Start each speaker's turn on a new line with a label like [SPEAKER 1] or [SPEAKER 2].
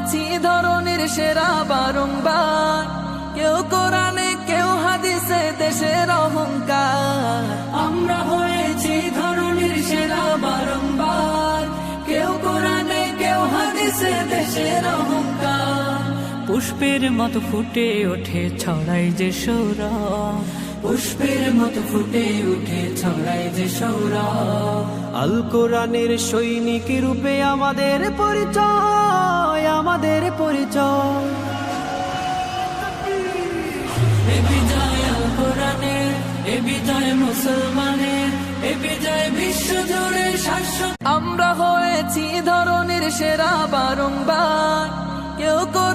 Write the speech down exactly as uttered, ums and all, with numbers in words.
[SPEAKER 1] হয়েছি ধরনের সেরা বারংবার, কেউ কোরআনে কেউ হাদিসে দেশের অহংকার। আমরা হয়েছি ধরনের সেরা বারংবার, কেউ কোরআনে কেউ হাদিসে দেশের অহংকার। পুষ্পের মতো ফুটে ওঠে ছড়াই যে সৌরভ, পুষ্পের মতো ফুটে উঠে ছড়াই যে সৌরভ।
[SPEAKER 2] আল কোরআনের সৈনিক রূপে আমাদের পরিচয়, আমাদের পরিচয়।
[SPEAKER 1] এ বিজয় আল কোরআনের, এ বিজয় মুসলমানের, এ বিজয় বিশ্ব জুড়ে শাশ্বত। আমরা হয়েছি ধরনের সেরা বারংবার, কেউ